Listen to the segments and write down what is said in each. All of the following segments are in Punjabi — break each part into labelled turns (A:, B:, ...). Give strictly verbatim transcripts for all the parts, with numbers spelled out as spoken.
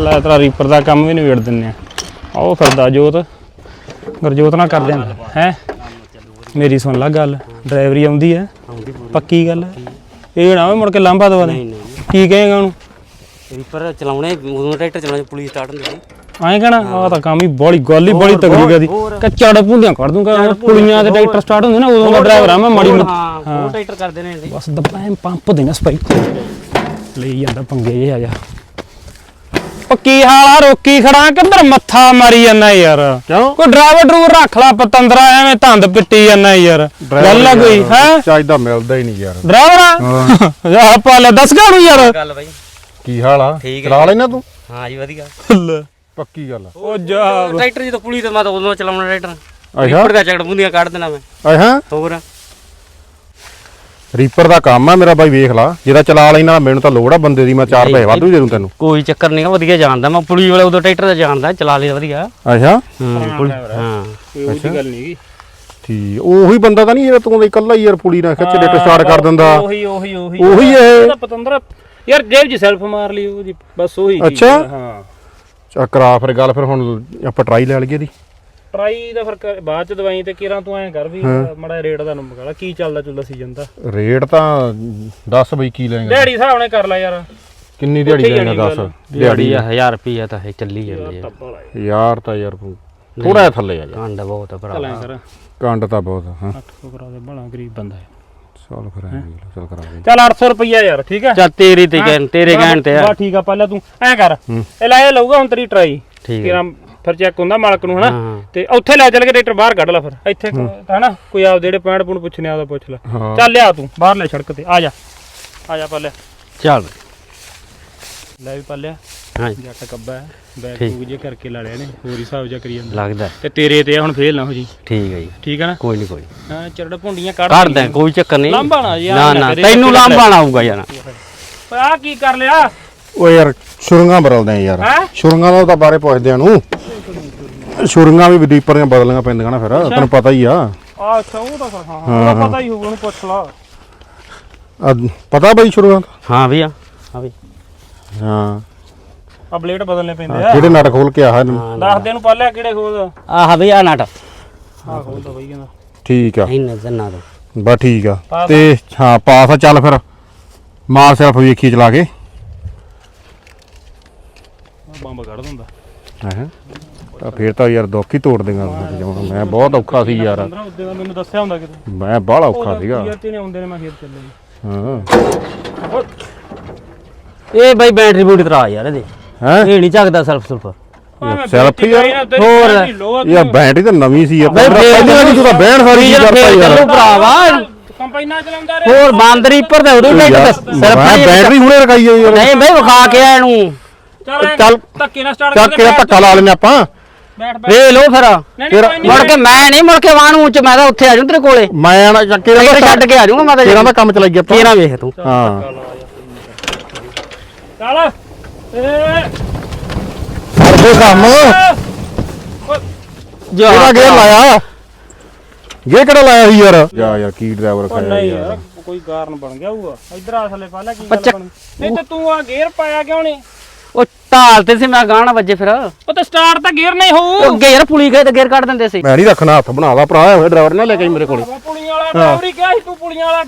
A: ਲੈ ਤੇਰਾ ਰੀਪਰ ਦਾ ਕੰਮ ਵੀ ਨਿਬੇੜ ਦਿੰਨੇ ਆ। ਆਓ ਫਿਰਦਾ ਜੋਤ ਗੁਰਜੋਤ ਨਾਲ ਕਰਦੇ ਆ ਹੈ। ਮੇਰੀ ਸੁਣ ਲੈ ਗੱਲ, ਡਰਾਈਵਰੀ ਆਉਂਦੀ ਹੈ ਪੱਕੀ ਗੱਲ। ਇਹ ਨਾ ਮੁੜ ਕੇ ਲਾਂਭਾ ਦਵਾ ਦੇ। ਕੀ ਕਹੇਗਾ ਉਹਨੂੰ?
B: ਰੀਪਰ ਚਲਾਉਣੇ ਉਦੋਂ ਟਰੈਕਟਰ ਚਲਾਉਣੇ ਪੁਲਿਸ ਸਟਾਰਟ ਹੁੰਦੀ ਸੀ
A: ਐਂ ਕਹਿਣਾ ਆਹ ਤਾਂ ਕੰਮ ਹੀ ਬੜੀ ਗੱਲ ਹੀ ਬੜੀ ਤਗੜੀ ਕਰਦੀ। ਕੱਚੜ ਭੁੰਡੀਆਂ ਕੱਢ ਦੂੰਗਾ ਪੁਲੀਆਂ ਦੇ ਟਰੈਕਟਰ ਸਟਾਰਟ ਹੁੰਦੇ ਨਾ ਉਦੋਂ ਦਾ ਡਰਾਈਵਰ ਆ ਮੈਂ ਮਾੜੀ
B: ਹਾਂ ਉਹ ਟਰੈਕਟਰ ਕਰਦੇ ਨੇ
A: ਬਸ ਦੱਬਾਂ ਪੰਪ ਦੇਣਾ ਸਪਾਈਕ ਲਈ ਜਾਂਦਾ ਪੰਗੇ ਜੇ ਆ ਜਾ। ਕੀ ਹਾਲ ਆ? ਰੋਕੀ ਖੜਾ ਕਿੱਧਰ ਮੱਥਾ ਮਾਰੀ ਜਾਂਦਾ ਯਾਰ? ਕਿਉਂ ਕੋਈ ਡਰਾਈਵਰ ਡਰੂਵਰ ਰੱਖ ਲਾ ਪਤੰਦਰਾ ਐਵੇਂ ਧੰਦ ਪਿੱਟੀ ਜਾਂਦਾ ਯਾਰ। ਗੱਲ ਆ ਕੋਈ ਹੈ
C: ਚਾਹੀਦਾ ਮਿਲਦਾ ਹੀ ਨਹੀਂ ਯਾਰ
A: ਡਰਾਈਵਰ ਆ ਪਾ ਲੈ ਦੱਸ ਗਾ ਨੂੰ ਯਾਰ।
B: ਗੱਲ ਬਾਈ
C: ਕੀ ਹਾਲ ਆ? ਚਲਾ ਲੈਣਾ ਤੂੰ?
B: ਹਾਂ ਜੀ ਵਧੀਆ
C: ਪੱਕੀ ਗੱਲ।
B: ਉਹ ਜਾ ਟਰੈਕਟਰ ਜਦੋਂ ਪੁਲਿਸ ਤੇ ਮੈਂ ਤਾਂ ਉਦੋਂ ਚਲਾਉਣਾ ਟਰੈਕਟਰ।
C: ਅੱਛਾ
B: ਰੀਪਰ ਦਾ ਚੱਕੜ ਬੁੰਦੀਆਂ ਕੱਢ ਦੇਣਾ ਮੈਂ।
C: ਅੱਛਾ
B: ਹੋਰ
C: ਰੀਪਰ ਦਾ ਕੰਮ ਆ ਮੇਰਾ ਬਾਈ, ਵੇਖ ਲਾ ਜਿਹਦਾ ਚਲਾ ਲੈਣਾ। ਮੈਨੂੰ ਤਾਂ ਲੋੜ ਆ ਬੰਦੇ ਦੀ, ਮੈਂ ਚਾਰ ਪੈਸੇ ਵਾਧੂ ਦੇ ਦੂੰ ਤੈਨੂੰ।
B: ਕੋਈ ਚੱਕਰ ਨਹੀਂ, ਵਧੀਆ ਜਾਣਦਾ ਮੈਂ ਪੁਲਿਸ ਵਾਲੇ ਉਦੋਂ ਟਰੈਕਟਰ ਦਾ ਜਾਣਦਾ ਚਲਾ ਲਿਆ ਵਧੀਆ।
C: ਅੱਛਾ
B: ਹਾਂ
A: ਕੋਈ ਉਹਦੀ ਗੱਲ ਨਹੀਂ
C: ਠੀਕ। ਉਹੀ ਬੰਦਾ ਤਾਂ ਨਹੀਂ ਜਿਹੜਾ ਤੂੰ ਇਕੱਲਾ ਹੀ ਯਾਰ ਪੁਲੀ ਨਾਲ ਖਿੱਚ ਡੇਟ ਸਟਾਰਟ ਕਰ ਦਿੰਦਾ?
A: ਉਹੀ ਉਹੀ ਉਹੀ
C: ਉਹੀ ਇਹ
A: ਪਤੰਦਰਾ ਯਾਰ ਜੇਬ 'ਚ ਸੈਲਫ ਮਾਰ ਲਈ ਉਹਦੀ ਬਸ ਉਹੀ।
C: ਅੱਛਾ
A: ਹਾਂ
C: ਚੱਲ ਕਰਾ ਫਿਰ ਗੱਲ। ਫਿਰ ਹੁਣ ਆਪਾਂ ਟਰਾਈ ਲੈ ਲਈਏ ਦੀ
A: ਟਰਾਈ ਦਾ ਫਿਰ ਬਾਅਦ ਚ ਦਵਾਈ ਤੇ ਕਿਰਾਂ ਤੂੰ ਐਂ ਕਰ ਵੀ ਮਾੜਾ ਰੇਟ ਦਾ ਨੰਬਰ ਕਾਲਾ ਕੀ ਚੱਲਦਾ ਚੁੱਲਦਾ ਸੀਜ਼ਨ ਦਾ ਰੇਟ
C: ਤਾਂ ਦੱਸ ਬਈ ਕੀ ਲੈਂਗਾ?
A: ਦਿਹਾੜੀ ਹਿਸਾਬ ਨਾਲ ਕਰ ਲੈ ਯਾਰ।
C: ਕਿੰਨੀ ਦਿਹਾੜੀ ਲੈਂਗਾ ਦੱਸ?
B: ਦਿਹਾੜੀ ਹਜ਼ਾਰ ਰੁਪਈਆ ਤਾਂ ਇਹ ਚੱਲੀ ਜਾਂਦੀ ਹੈ
C: ਯਾਰ। ਤਾਂ ਯਾਰ ਥੋੜਾ ਜਿਹਾ ਥੱਲੇ ਆ ਜਾ।
B: ਕੰਡ ਬਹੁਤ ਆ ਭਰਾ,
C: ਕੰਡ ਤਾਂ ਬਹੁਤ ਆ। ਹਾਂ
A: ਅੱਠ ਸੌ ਕਰਾ ਦੇ ਬੜਾ ਗਰੀਬ ਬੰਦਾ ਹੈ।
C: ਚੱਲ ਫਿਰ ਚੱਲ ਕਰਾ ਦੇ।
A: ਚੱਲ ਅੱਠ ਸੌ ਰੁਪਈਆ ਯਾਰ ਠੀਕ ਹੈ।
B: ਚੱਲ ਤੇਰੀ ਤੇ ਕਹਿਣ ਤੇਰੇ ਕਹਿਣ ਤੇ ਆ
A: ਬਾ ਠੀਕ ਆ। ਪਹਿਲਾਂ ਤੂੰ ਐਂ ਕਰ ਇਹ ਲੈ ਲਊਗਾ ਹੁਣ ਤੇਰੀ ਟਰਾਈ
B: ਠੀਕ
A: ਕਿਰਾਂ ਫਿਰ ਚੈੱਕ ਹੁੰਦਾ ਮਾਲਕ ਨੂੰ ਹਨਾ ਤੇ ਉੱਥੇ ਲੈ ਚੱਲ ਕੇ ਟਰੈਕਟਰ ਬਾਹਰ ਕੱਢ ਲੈ। ਫਿਰ ਇੱਥੇ ਹਨਾ ਕੋਈ ਆਪ ਜਿਹੜੇ ਪੈਂਟ ਪੁੰਡ ਪੁੱਛਣੇ ਆਦਾ ਪੁੱਛ ਲੈ। ਚੱਲ ਲਿਆ ਤੂੰ ਬਾਹਰ ਲੈ ਸੜਕ ਤੇ ਆ ਜਾ ਆ ਜਾ ਪਾਲਿਆ।
B: ਚੱਲ
A: ਲੈ ਵੀ ਪਾਲਿਆ।
B: ਹਾਂ
A: ਜੱਟ ਕੱਬਾ ਹੈ ਬੈਗ ਬੂਗ ਜੇ ਕਰਕੇ ਲਾ ਲਿਆ ਨੇ ਹੋਰ ਹਿਸਾਬ ਜਾ ਕਰੀ ਜਾਂਦਾ
B: ਲੱਗਦਾ
A: ਤੇ ਤੇਰੇ ਤੇ ਹੁਣ ਫੇਲ ਨਾ ਹੋ ਜੀ।
B: ਠੀਕ ਹੈ ਜੀ
A: ਠੀਕ ਹੈ ਨਾ?
B: ਕੋਈ ਨਹੀਂ ਕੋਈ
A: ਹਾਂ ਚਰੜ ਭੁੰਡੀਆਂ ਕੱਢ
B: ਕੱਢ ਦੇ ਕੋਈ ਚੱਕਰ ਨਹੀਂ।
A: ਲਾਂਭਾ ਨਾ ਯਾਰ
B: ਨਾ ਨਾ ਤੈਨੂੰ ਲਾਂਭਾ ਨਾ ਆਊਗਾ ਯਾਰ।
A: ਓਏ ਆ ਕੀ ਕਰ ਲਿਆ?
C: ਓ ਯਾਰ ਸ਼ੁਰੰਗਾਂ ਬਦਲਦੇ ਆ ਯਾਰ। ਸ਼ੁਰੰਗਾਂ ਦਾ ਤਾਂ ਬਾਰੇ ਪੁੱਛਦੇ ਆ ਨੂੰ। ਸ਼ੁਰੰਗਾਂ ਵੀ ਰੀਪਰ ਦੀਆਂ ਬਦਲਣੀਆਂ ਪੈਂਦੀਆਂ ਨਾ ਫਿਰ ਤੈਨੂੰ ਪਤਾ ਹੀ ਆ।
A: ਆ ਅੱਛਾ ਉਹ ਤਾਂ ਹਾਂ ਹਾਂ ਪਤਾ ਹੀ ਹੋਊਗਾ ਉਹਨੂੰ ਪੁੱਛ ਲਾ।
C: ਪਤਾ ਬਈ ਸ਼ੁਰੰਗਾਂ?
B: ਹਾਂ ਵੀ ਆ ਹਾਂ ਵੀ
C: ਹਾਂ
A: ਆ ਬਲੇਡ ਬਦਲਨੇ ਪੈਂਦੇ ਆ।
C: ਕਿਹੜੇ ਨਟ ਖੋਲ ਕੇ ਆਹ
A: ਦੱਸ ਦੇ ਨੂੰ ਪਾਲਿਆ ਕਿਹੜੇ ਖੋਲ?
B: ਆਹ ਵੀ ਆ ਨਟ
A: ਆ ਖੋਲਦਾ ਬਈ ਕਹਿੰਦਾ।
C: ਠੀਕ ਆ
B: ਇੰਨੇ ਜੰਨਾ ਦੋ
C: ਬਸ ਠੀਕ ਆ। ਤੇ ਹਾਂ ਪਾਸ ਆ। ਚੱਲ ਫਿਰ ਮਾਰ ਸਿਰਫ ਵੇਖੀ ਚਲਾ ਕੇ
A: ਬੰਬ ਕੱਢ ਦਿੰਦਾ
C: ਹੈ ਤਾਂ ਫਿਰ ਤਾਂ ਯਾਰ ਦੁੱਖ ਹੀ ਤੋੜ ਦੇਗਾ। ਮੈਂ ਬਹੁਤ ਔਖਾ ਸੀ ਯਾਰ।
A: ਉਹਦੇ ਦਾ ਮੈਨੂੰ ਦੱਸਿਆ ਹੁੰਦਾ ਕਿਤੇ
C: ਮੈਂ ਬਾਹਲਾ ਔਖਾ ਸੀਗਾ।
A: ਯਾਰ ਤੇਨੇ ਆਉਂਦੇ ਨੇ ਮੈਂ ਖੇਤ ਚੱਲੇ।
C: ਹਾਂ
B: ਇਹ ਬਈ ਬੈਟਰੀ ਬੂਟੀ ਤਰਾ ਯਾਰ ਇਹਦੇ
C: ਹੈ
B: ਇਹ ਨਹੀਂ ਚੱਕਦਾ ਸੈਲਫ ਸੁਲਫ
C: ਸੈਲਫ ਯਾਰ।
B: ਹੋਰ
C: ਯਾਰ ਬੈਟਰੀ ਤਾਂ ਨਵੀਂ ਸੀ ਯਾਰ।
B: ਬਈ
C: ਪਹਿਲੀ ਵਾਰੀ ਤੂੰ ਤਾਂ ਬਹਿਣ ਸਾਰੀ ਕੀ ਕਰਤਾ ਯਾਰ।
B: ਭਰਾਵਾ
A: ਕੰਪਾਈਨਾਂ ਚਲਾਉਂਦਾ ਰੇ
B: ਹੋਰ ਬਾਂਦਰੀ ਪਰ ਤੇ ਉਦੋਂ ਟਰੈਕਟਰ
C: ਮੈਂ ਬੈਟਰੀ ਹੁਣੇ ਰਖਾਈ ਆ ਯਾਰ।
B: ਨਹੀਂ ਬਈ ਵਿਖਾ ਕੇ ਆ ਇਹਨੂੰ।
C: ਚੱਲ
A: ਧੱਕੇ ਨਾਲ ਸਟਾਰਟ
C: ਚੱਲ ਕੇ ਧੱਕਾ ਲਾ ਲੈਨੇ ਆਪਾਂ।
A: ਬੈਠ ਬੈਠ
B: ਵੇ ਲੋ ਫਿਰ ਮੁੜ ਕੇ ਮੈਂ ਨਹੀਂ ਮੁੜ ਕੇ ਵਾਹਣ ਉੱਚ ਮੈਂ ਤਾਂ ਉੱਥੇ ਆ ਜਾਊਂ ਤੇਰੇ ਕੋਲੇ।
C: ਮੈਂ ਨਾ ਚੱਕੇ ਦਾ
B: ਛੱਡ ਕੇ ਆ ਜਾਊਂਗਾ ਮੈਂ ਤਾਂ
C: ਤੇਰਾ ਦਾ ਕੰਮ ਚਲਾਈ ਗਿਆ ਆਪਾਂ।
B: ਤੇਰਾ ਵੇਖ ਤੂੰ।
C: ਹਾਂ
A: ਚੱਲ ਏ
C: ਕਰਦੇ ਕੰਮ
B: ਜਿਹੜਾ
C: ਗੇਰ ਲਾਇਆ ਗੇ ਕਿਹੜਾ ਲਾਇਆ ਸੀ ਯਾਰ? ਜਾ ਯਾਰ ਕੀ ਡਰਾਈਵਰ ਖਾਇਆ
A: ਯਾਰ ਕੋਈ ਕਾਰਨ ਬਣ ਗਿਆ ਹੋਊਗਾ। ਇਧਰ ਆ ਥੱਲੇ ਪਾ ਲੈ ਕੀ ਗੱਲ ਬਣੀ। ਨਹੀਂ ਤੇ ਤੂੰ ਆ ਗੇਅਰ ਪਾਇਆ ਕਿਉਂ ਨਹੀਂ?
B: ਉਹ ਢਾਲ ਤੇ ਸੀ ਮੈਂ ਗਾਣਾ ਵੱਜੇ ਫਿਰ
A: ਉਹ ਤਾਂ ਸਟਾਰਟ ਤਾਂ ਗੇਅਰ ਨਹੀਂ ਹੋਊ।
B: ਉਹ ਗੇਅਰ ਪੁਲੀ ਗਏ ਤੇ ਗੇਅਰ ਕੱਢ ਦਿੰਦੇ ਸੀ।
C: ਮੈਂ ਨਹੀਂ ਰੱਖਣਾ ਹੱਥ ਬਣਾ ਲਾ ਭਰਾ ਹੋਏ ਡਰਾਈਵਰ ਨਾ ਲੈ ਕੇ ਮੇਰੇ ਕੋਲ।
A: ਪੁਲੀਆਂ ਵਾਲਾ ਡਰਾਈਵਰ ਹੀ ਕਿਹਾ ਸੀ ਤੂੰ ਪੁਲੀਆਂ ਵਾਲਾ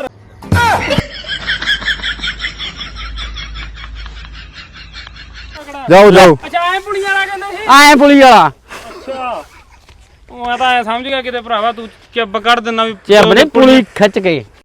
C: ਜਾਓ ਜਾਓ।
A: ਅੱਛਾ ਐ ਪੁਲੀਆਂ ਵਾਲਾ ਕਹਿੰਦੇ ਸੀ।
B: ਆਏ ਪੁਲੀ ਵਾਲਾ
A: ਅੱਛਾ ਮੈਂ ਤਾਂ ਐ ਸਮਝ ਗਿਆ ਕਿਤੇ ਭਰਾਵਾ ਤੂੰ ਚੱਬ ਕੱਢ ਦਿੰਦਾ ਵੀ
B: ਚੱਬ ਨੇ ਪੁਲੀ ਖਿੱਚ ਕੇ